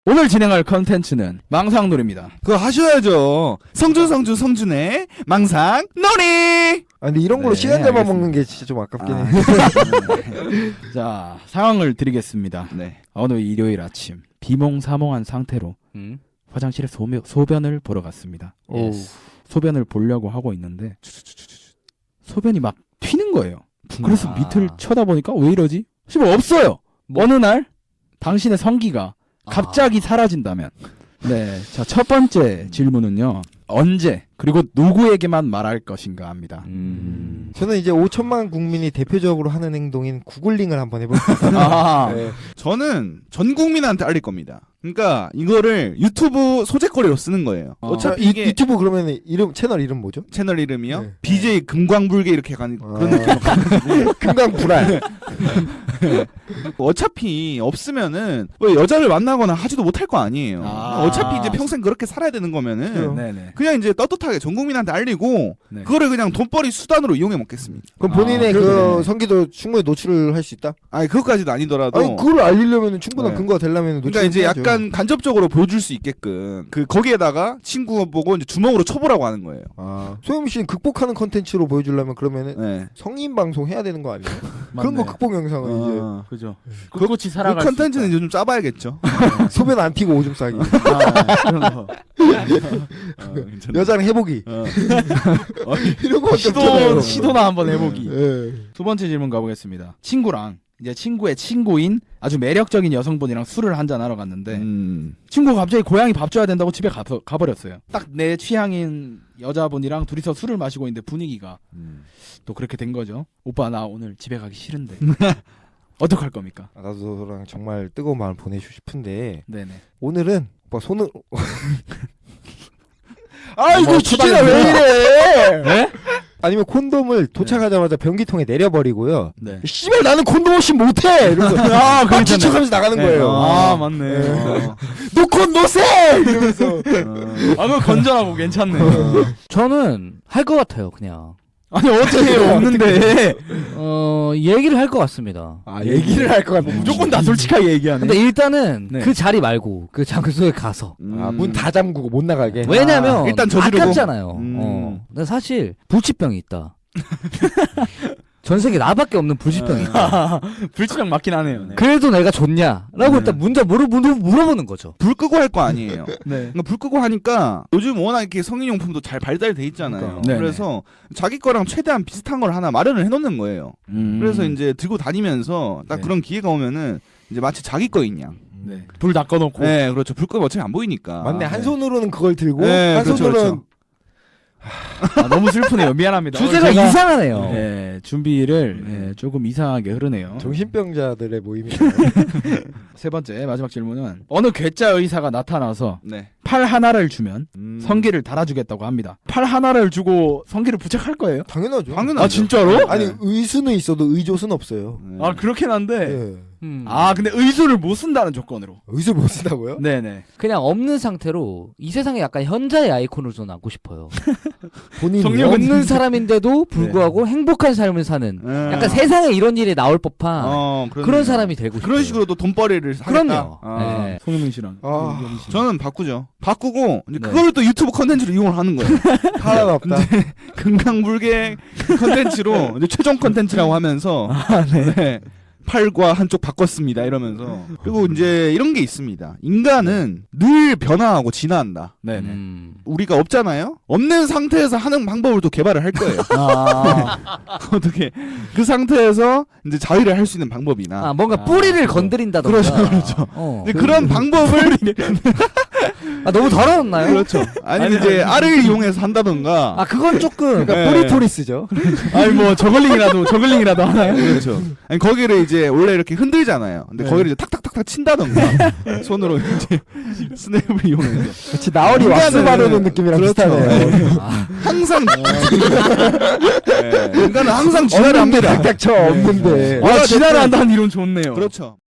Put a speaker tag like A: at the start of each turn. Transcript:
A: 오늘 진행할 컨텐츠는 망상놀이입니다.
B: 그거 하셔야죠. 성준의 망상놀이.
C: 아 근데 이런 걸로
A: 네,
C: 시간 잡아
A: 알겠습니다.
C: 먹는 게 진짜 좀 아깝긴 해.
A: 자, 상황을 드리겠습니다.
B: 네.
A: 어느 일요일 아침 비몽사몽한 상태로 화장실에 소변을 보러 갔습니다.
C: 오.
A: 소변을 보려고 하고 있는데 소변이 막 튀는 거예요. 그래서 밑을 쳐다보니까 왜 이러지? 싶어 없어요. 어느 날 당신의 성기가 갑자기 사라진다면. 네, 자, 첫 번째 질문은요. 언제 그리고 누구에게만 말할 것인가 합니다.
C: 저는 이제 5천만 국민이 대표적으로 하는 행동인 구글링을 한번 해볼게요.
A: 아,
C: 네.
B: 저는 전 국민한테 알릴 겁니다. 그러니까 이거를 유튜브 소재거리로 쓰는 거예요. 어차피 이게
C: 유튜브 그러면 채널 이름 뭐죠?
B: 채널 이름이요?
C: 네.
B: BJ 금광불개 이렇게 가는 그런 느낌으로
C: 금강불알.
B: 어차피 없으면은 뭐 여자를 만나거나 하지도 못할 거 아니에요.
A: 아.
B: 어차피 이제 평생 그렇게 살아야 되는 거면은
C: 그래요.
A: 네네.
B: 그냥 이제 떳떳하게 전 국민한테 알리고
A: 네.
B: 그거를 그냥 돈벌이 수단으로 이용해 먹겠습니다.
C: 그럼 본인의
A: 아,
C: 그
A: 그러네.
C: 성기도 충분히 노출을 할 수 있다?
B: 아니 그것까지도 아니더라도
C: 아니 그걸 알리려면 충분한
B: 네.
C: 근거가 되려면 노출.
B: 그러니까 이제 약간 간접적으로 보여줄 수 있게끔 그 거기에다가 친구 보고 이제 주먹으로 쳐보라고 하는 거예요.
C: 소영 씨는 극복하는 컨텐츠로 보여주려면 그러면은
B: 네.
C: 성인 방송 해야 되는 거 아니에요? 그런
A: 맞네.
C: 거 극복 영상은
B: 어.
A: 그죠.
B: 그
A: 꿋꿋이
B: 그
A: 살아갈
B: 컨텐츠는
A: 수 있다.
B: 이제 좀 짜봐야겠죠.
C: 소변 안 튀고 오줌 싸기.
A: 그런 거.
C: 여자랑 해보기. 이런 거
A: 시도나 한번 해보기.
C: 예.
A: 두 번째 질문 가보겠습니다. 친구랑 이제 친구의 친구인 아주 매력적인 여성분이랑 술을 한잔 하러 갔는데 친구가 갑자기 고양이 밥 줘야 된다고 집에 가버렸어요. 딱 내 취향인 여자분이랑 둘이서 술을 마시고 있는데 분위기가 또 그렇게 된 거죠. 오빠 나 오늘 집에 가기 싫은데 어떡할 겁니까?
C: 나도 너랑 정말 뜨거운 마음을 보내주고 싶은데
A: 네네.
C: 오늘은 오빠 손을
A: 뭐
C: 주제가 왜 이래?
A: 네?
C: 아니면 콘돔을 도착하자마자 변기통에 내려버리고요.
A: 네.
C: 씨발 나는 콘돔 없이 못해. 이러면서
A: 아,
C: 막 지쳐가면서 나가는 거예요.
A: 아, 맞네.
C: 노콘 노세 이러면서.
A: 아, 그거 건전하고 괜찮네.
D: 저는 할 것 같아요, 그냥.
A: 아니, 어떻게 해요? 없는데.
D: 얘기를 할 것 같습니다.
C: 얘기를 할 것 같아.
A: 무조건 다 솔직하게 얘기하네.
D: 근데 일단은
A: 네.
D: 그 자리 말고 그 장소에 가서.
C: 문 다 잠그고 못 나가게.
D: 왜냐면
B: 일단 저지르고.
D: 아깝잖아요. 근데 사실 불치병이 있다. 전 세계 나밖에 없는 불치병이 있다.
A: 불치병 맞긴 하네요. 네.
D: 그래도 내가 좋냐라고 일단 먼저 물어보는 거죠.
B: 불 끄고 할 거 아니에요.
A: 네.
B: 그러니까 불 끄고 하니까 요즘 워낙 이렇게 성인용품도 잘 발달돼 있잖아요.
A: 그러니까.
B: 그래서 자기 거랑 최대한 비슷한 걸 하나 마련을 해놓는 거예요. 그래서 이제 들고 다니면서 딱
A: 네.
B: 그런 기회가 오면은 이제 마치 자기 거인 양.
A: 네. 불 다 꺼놓고.
B: 네, 그렇죠. 불 끄면 어차피 안 보이니까.
C: 맞네. 한 손으로는 그걸 들고
B: 네,
C: 한
B: 그렇죠,
C: 손으로는
B: 그렇죠.
A: 아, 너무 슬프네요. 미안합니다.
D: 주제가
A: 오늘 제가,
D: 이상하네요.
A: 네, 준비를 조금 이상하게 흐르네요.
C: 정신병자들의 모임이.
A: 세 번째 마지막 질문은 어느 괴짜 의사가 나타나서
B: 네.
A: 팔 하나를 주면 성기를 달아주겠다고 합니다. 팔 하나를 주고 성기를 부착할 거예요?
C: 당연하죠.
B: 당연하죠.
A: 아 진짜로?
C: 아니
B: 네.
C: 의수는 있어도 의조는 없어요.
B: 네.
A: 아 그렇긴 한데.
C: 예.
A: 아 근데 의수를 못 쓴다는 조건으로.
C: 의수 못 쓴다고요?
A: 네네.
D: 그냥 없는 상태로 이 세상에 약간 현자의 아이콘으로 저는 남고 싶어요.
C: 본인이
A: 성욕은
D: 없는 사람인데도 불구하고 행복한 삶을 사는 약간 세상에 이런 일이 나올 법한 그런 사람이 되고 싶어요.
B: 그런 식으로도 돈벌이를 하겠다.
D: 그럼요.
B: 아.
D: 네.
A: 송영민 씨랑.
C: 아.
A: 이현희 씨.
B: 저는 바꾸죠. 바꾸고 이제
A: 네.
B: 그거를 또 유튜브 컨텐츠로 이용을 하는 거예요.
C: 하나가 없다.
B: 금강불개 컨텐츠로 이제 최종 컨텐츠라고 하면서 네. 팔과 한쪽 바꿨습니다 이러면서. 그리고 이제 이런 게 있습니다. 인간은 늘 변화하고 진화한다.
A: 네네.
B: 우리가 없잖아요. 없는 상태에서 하는 방법을 또 개발을 할 거예요.
A: 아.
B: 어떻게 그 상태에서 이제 자위를 할 수 있는 방법이나
D: 아, 뭔가 뿌리를 건드린다던가.
B: 그렇죠.
D: 어.
B: 근데 그런 방법을
D: 아, 너무 더러웠나요?
B: 그렇죠. 아니면 이제 알을 이용해서 한다던가.
D: 아, 그건 조금.
C: 그러니까
B: 네.
C: 포리토리스죠.
A: 아니 뭐 저글링이라도 하나요?
B: 그렇죠. 아니 거기를 이제 원래 이렇게 흔들잖아요. 근데
C: 네.
B: 거기를 이제 탁탁탁탁 친다던가 손으로 이제 스냅을 이용해서
C: 그렇지 나얼이 왁스 바르는 느낌이랑
B: 그렇죠.
C: 비슷하네요.
B: 항상 네. 인간은 항상 진화를
C: 없는데
B: 합니다.
C: 닥닥쳐 없는데.
A: 아 진화를 한다는 이론 좋네요.
B: 그렇죠.